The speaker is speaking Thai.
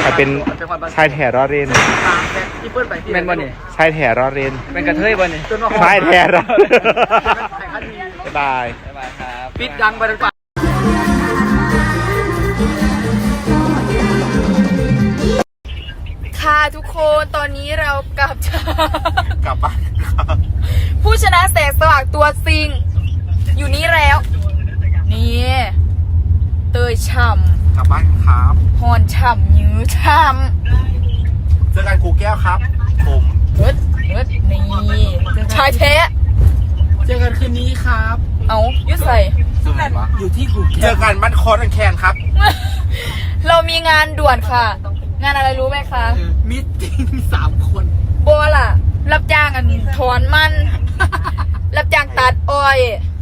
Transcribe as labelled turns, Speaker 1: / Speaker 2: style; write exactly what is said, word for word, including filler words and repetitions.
Speaker 1: แต่เป็นชายแถรอเรน
Speaker 2: ที่เปิ้ลไปที่
Speaker 3: แม่นบ่นี่
Speaker 1: ชายแถรอเรน
Speaker 3: เป็นกระเทยบ่นี่
Speaker 1: ชายแถรอบ๊ายบาย
Speaker 3: บ๊ายบายครับ
Speaker 2: ปิดดังไปทั้งป่า
Speaker 4: ค่ะทุกคนตอนนี้เรากลับจาก
Speaker 1: กลับบ้านครับ
Speaker 4: ผู้ชนะแสงสว่างตัวจริง อยู่นี่แล้ว นี่เตยฉ่
Speaker 1: กลับบ้านครับ
Speaker 4: ำฮอนฉ่ำยื้อฉ่
Speaker 1: เจอกันครูแก้วครับ ผม
Speaker 4: ำเอิดเอิดนี่ชายแท้
Speaker 2: เจอกันคืนนี้ครับ
Speaker 4: เอายุดใส่
Speaker 2: อยู่ที่กู
Speaker 1: เจอกันบ้านคอนแคนครับ
Speaker 4: เรามีงานด่วนค่ะ งานอะไรรู้ไหมคะ
Speaker 2: มิตติ้งสามคน
Speaker 4: บัวล่ะ รับจ้างอันถอนมัน รับจ้างตัดอ้อย